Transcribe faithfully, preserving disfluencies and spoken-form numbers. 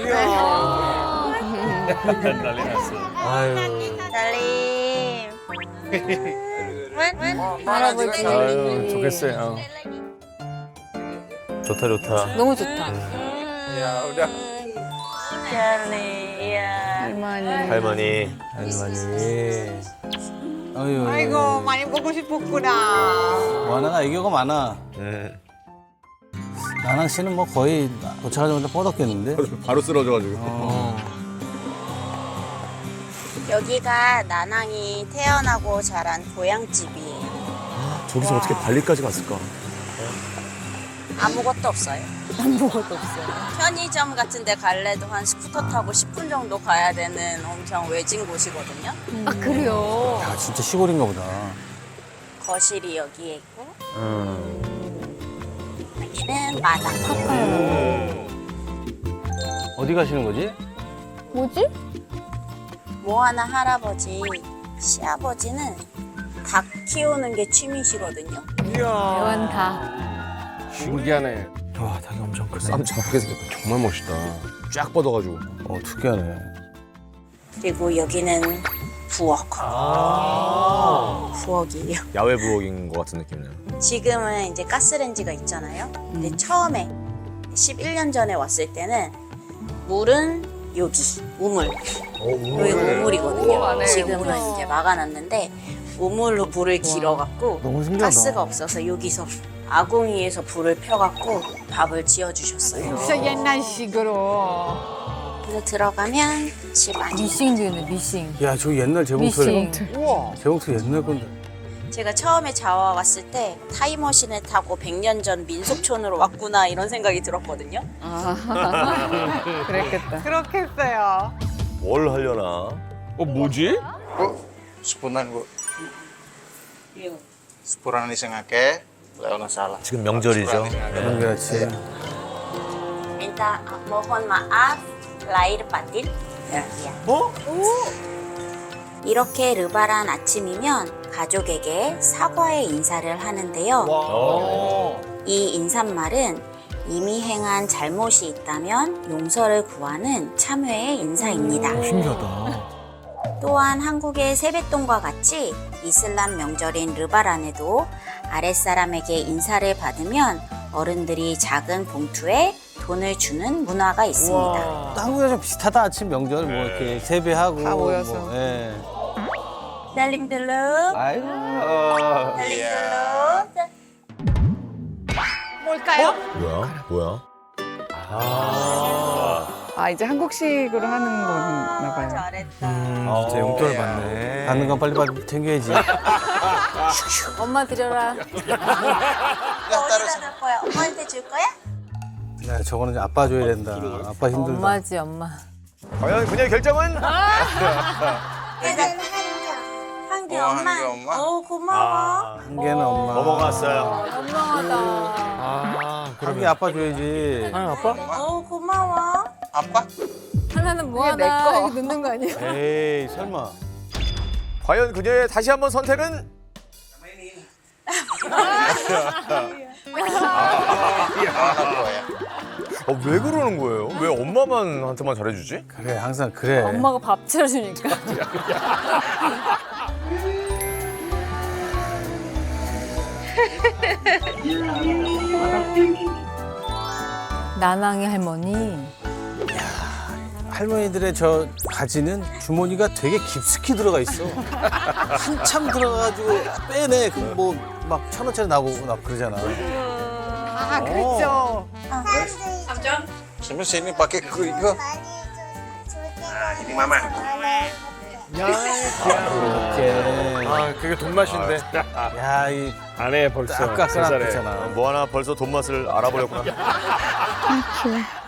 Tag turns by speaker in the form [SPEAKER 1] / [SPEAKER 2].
[SPEAKER 1] 난리 났어.
[SPEAKER 2] 아유.
[SPEAKER 3] 달님.
[SPEAKER 2] 할아버지.
[SPEAKER 1] 아유, 좋겠어요. 어.
[SPEAKER 4] 좋다 좋다.
[SPEAKER 2] 너무 좋다.
[SPEAKER 5] Ya udah.
[SPEAKER 3] 달리. 야.
[SPEAKER 2] 할머니.
[SPEAKER 4] 할머니.
[SPEAKER 6] 할머니. 아유.
[SPEAKER 7] 아이고 많이 보고 싶었구나.
[SPEAKER 6] 와나가 애교가 많아.
[SPEAKER 4] 음.
[SPEAKER 6] 나랑 씨는 뭐 거의 도착하자마자 뻗었겠는데?
[SPEAKER 5] 바로 쓰러져가지고.
[SPEAKER 6] 어.
[SPEAKER 3] 여기가 나낭이 태어나고 자란 고향집이에요.
[SPEAKER 4] 저기서 어떻게 발리까지 갔을까?
[SPEAKER 3] 아무것도 없어요.
[SPEAKER 2] 아무것도 없어요.
[SPEAKER 3] 편의점 같은 데 갈래도 한 스쿠터 타고 십 분 정도 가야 되는 엄청 외진 곳이거든요.
[SPEAKER 2] 아, 그래요?
[SPEAKER 6] 야, 진짜 시골인가 보다.
[SPEAKER 3] 거실이 여기에 있고
[SPEAKER 4] 음.
[SPEAKER 3] 여기는 마당.
[SPEAKER 6] 어디 가시는 거지?
[SPEAKER 2] 뭐지?
[SPEAKER 3] 모아나 할아버지, 시아버지는 닭 키우는 게 취미시거든요.
[SPEAKER 2] 애완다.
[SPEAKER 1] 신기하네.
[SPEAKER 6] 와, 닭이 엄청 크네.
[SPEAKER 5] 쌈 작게 생겼다.
[SPEAKER 1] 정말 멋있다.
[SPEAKER 5] 쫙 뻗어가지고.
[SPEAKER 6] 어, 특이하네.
[SPEAKER 3] 그리고 여기는 부엌. 부엌이에요.
[SPEAKER 4] 야외 부엌인 것 같은 느낌이네요.
[SPEAKER 3] 지금은 이제 가스레인지가 있잖아요. 근데 처음에 십일 년 전에 왔을 때는 물은 여기 우물. 여기 우물이거든요. 지금은 이제 막아놨는데 우물로 불을 길어갖고
[SPEAKER 6] 너무 신기하다.
[SPEAKER 3] 가스가 없어서 여기서 아궁이에서 불을 펴갖고 밥을 지어주셨어요.
[SPEAKER 7] 진짜 옛날식으로.
[SPEAKER 3] 그래서 들어가면 집 안이.
[SPEAKER 2] 미싱도 있네, 미싱.
[SPEAKER 6] 야, 저 옛날 재봉틀.
[SPEAKER 2] 미싱.
[SPEAKER 7] 우와.
[SPEAKER 6] 재봉틀 옛날 건데.
[SPEAKER 3] 제가 처음에 자와 왔을 때 타임머신을 타고 백 년 전 민속촌으로 왔구나 이런 생각이 들었거든요.
[SPEAKER 2] 아, 그랬겠다.
[SPEAKER 7] 그렇겠어요.
[SPEAKER 4] 뭘 하려나?
[SPEAKER 1] 어, 뭐지?
[SPEAKER 5] Bu, sepunan bu. Sepuran ini sengaja, Leona salah.
[SPEAKER 4] 지금 명절이죠.
[SPEAKER 6] 그런 게 같이.
[SPEAKER 3] Minta mohon maaf lahir batin. 야.
[SPEAKER 4] 뭐?
[SPEAKER 3] 이렇게 르바란 아침이면 가족에게 사과의 인사를 하는데요. 이 인사말은 이미 행한 잘못이 있다면 용서를 구하는 참회의 인사입니다.
[SPEAKER 6] 신기하다.
[SPEAKER 3] 또한 한국의 세뱃돈과 같이 이슬람 명절인 르바란에도 아랫사람에게 인사를 받으면 어른들이 작은 봉투에 돈을 주는 문화가 있습니다.
[SPEAKER 6] 한국이랑 좀 비슷하다. 아침 명절 뭐 이렇게 세배하고.
[SPEAKER 7] 다 모여서.
[SPEAKER 6] 뭐, 예.
[SPEAKER 3] 달림들로
[SPEAKER 6] 아이고.
[SPEAKER 3] 달림들로
[SPEAKER 7] 뭘까요?
[SPEAKER 4] 뭐야? 뭐야?
[SPEAKER 7] 아 이제 한국식으로 하는 거나 봐요.
[SPEAKER 3] 잘했다.
[SPEAKER 4] 아, 진짜 용돈을 받네.
[SPEAKER 6] 받는 건 빨리 받 챙겨야지.
[SPEAKER 2] 엄마 드려라.
[SPEAKER 3] 어디다 넣을 거야? 엄마한테 줄 거야?
[SPEAKER 6] 야, 저거는 이제 아빠 줘야 된다. 아빠 힘들다.
[SPEAKER 2] 엄마지, 엄마.
[SPEAKER 4] 과연 그녀의 결정은?
[SPEAKER 3] 한 개
[SPEAKER 5] 어, 한
[SPEAKER 3] 엄마.
[SPEAKER 5] 개 엄마?
[SPEAKER 3] 어 고마워.
[SPEAKER 4] 아,
[SPEAKER 6] 한 개는 엄마.
[SPEAKER 4] 넘어갔어요.
[SPEAKER 2] 현명하다.
[SPEAKER 1] 아,
[SPEAKER 6] 한 개 아빠 줘야지.
[SPEAKER 1] 아, 아빠?
[SPEAKER 3] 어 고마워.
[SPEAKER 5] Apa?
[SPEAKER 2] 하나는 뭐
[SPEAKER 7] 내
[SPEAKER 2] 하나
[SPEAKER 7] 거.
[SPEAKER 2] 이렇게 넣는 거 아니야?
[SPEAKER 6] 에이, 설마.
[SPEAKER 4] 과연 그녀의 다시 한번 선택은? 어, 왜 그러는 거예요? 왜 엄마만 한테만 잘해주지?
[SPEAKER 6] 그래, 항상 그래.
[SPEAKER 2] 엄마가 밥 차려주니까. 나낭이 할머니.
[SPEAKER 6] 할머니들의 저 가지는 주머니가 되게 깊숙이 들어가 있어. 한참 들어가가지고 빼내. 그 뭐 막 천 원짜리 나오고 막 그러잖아.
[SPEAKER 7] 아 그랬죠.
[SPEAKER 5] Sini sini pakai ku itu. Nah, ini mama.
[SPEAKER 6] 이렇게.
[SPEAKER 1] 아, 그게 돈맛인데.
[SPEAKER 6] 야, 이
[SPEAKER 1] 안 해, 벌써.
[SPEAKER 6] 아까
[SPEAKER 1] 세 살에.
[SPEAKER 6] 잖아
[SPEAKER 4] 뭐 하나 벌써 돈 맛을 알아버렸구나.